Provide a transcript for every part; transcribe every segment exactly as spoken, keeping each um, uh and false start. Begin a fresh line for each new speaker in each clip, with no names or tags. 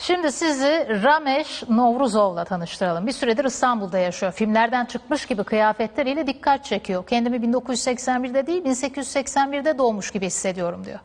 Şimdi sizi Ramesh Novruzov'la tanıştıralım. Bir süredir İstanbul'da yaşıyor. Filmlerden çıkmış gibi kıyafetleriyle dikkat çekiyor. Kendimi bin dokuz yüz seksen birde değil bin sekiz yüz seksen birde doğmuş gibi hissediyorum diyor.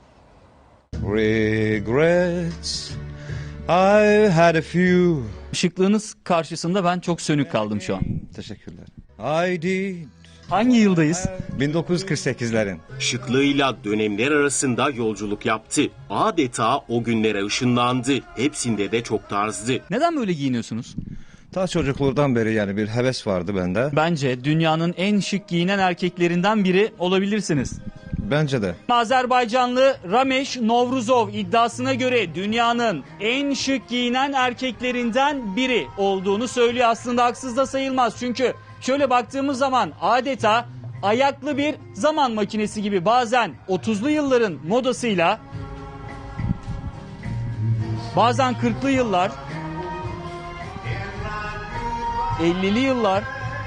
Regrets, I've had a few.
Şıklığınız karşısında ben çok sönük kaldım şu an.
Teşekkürler. I did.
Hangi yıldayız?
bin dokuz yüz kırk sekizlerin.
Şıklığıyla dönemler arasında yolculuk yaptı. Adeta o günlere ışınlandı. Hepsinde de çok tarzdı.
Neden böyle giyiniyorsunuz?
Ta çocukluğumdan beri yani bir heves vardı bende.
Bence dünyanın en şık giyinen erkeklerinden biri olabilirsiniz.
Bence de.
Azerbaycanlı Ramesh Novruzov iddiasına göre dünyanın en şık giyinen erkeklerinden biri olduğunu söylüyor. Aslında haksız da sayılmaz çünkü şöyle baktığımız zaman adeta ayaklı bir zaman makinesi gibi, bazen otuzlu yılların modasıyla, bazen kırklı yıllar, ellili yıllar,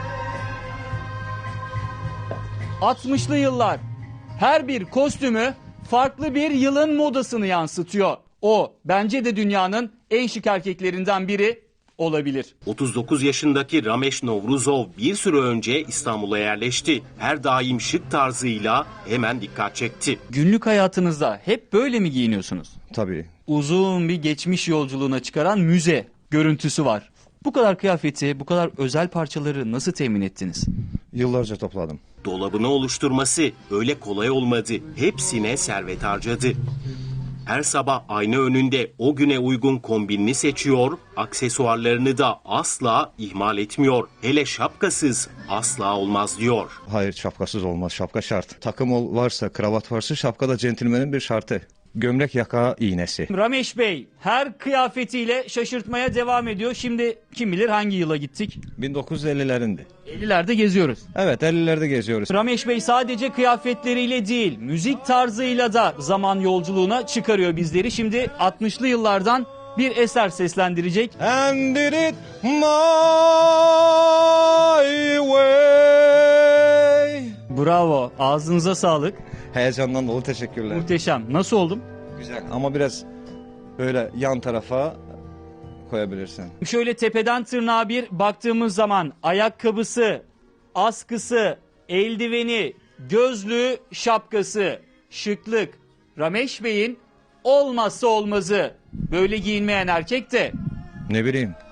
altmışlı yıllar. Her bir kostümü farklı bir yılın modasını yansıtıyor. O bence de dünyanın en şık erkeklerinden biri olabilir.
otuz dokuz yaşındaki Ramesh Novruzov bir süre önce İstanbul'a yerleşti. Her daim şık tarzıyla hemen dikkat çekti.
Günlük hayatınızda hep böyle mi giyiniyorsunuz?
Tabii.
Uzun bir geçmiş yolculuğuna çıkaran müze görüntüsü var. Bu kadar kıyafeti, bu kadar özel parçaları nasıl temin ettiniz?
Yıllarca topladım.
Dolabını oluşturması öyle kolay olmadı. Hepsine servet harcadı. Her sabah ayna önünde o güne uygun kombinini seçiyor, aksesuarlarını da asla ihmal etmiyor. Hele şapkasız asla olmaz diyor.
Hayır, şapkasız olmaz. Şapka şart. Takım ol- varsa, kravat varsa şapka da centilmenin bir şartı. Gömlek yaka iğnesi.
Ramesh Bey her kıyafetiyle şaşırtmaya devam ediyor. Şimdi kim bilir hangi yıla gittik?
bin dokuz yüz ellilerindi.
ellilerde geziyoruz.
Evet, ellilerde geziyoruz.
Ramesh Bey sadece kıyafetleriyle değil, müzik tarzıyla da zaman yolculuğuna çıkarıyor bizleri. Şimdi altmışlı yıllardan bir eser seslendirecek.
And did it my way.
Bravo, ağzınıza sağlık.
Heyecandan dolu teşekkürler.
Muhteşem. Nasıl oldum?
Güzel ama biraz böyle yan tarafa koyabilirsin.
Şöyle tepeden tırnağa bir baktığımız zaman ayakkabısı, askısı, eldiveni, gözlüğü, şapkası, şıklık. Ramesh Bey'in olmazsa olmazı. Böyle giyinmeyen erkek de
Ne bileyim,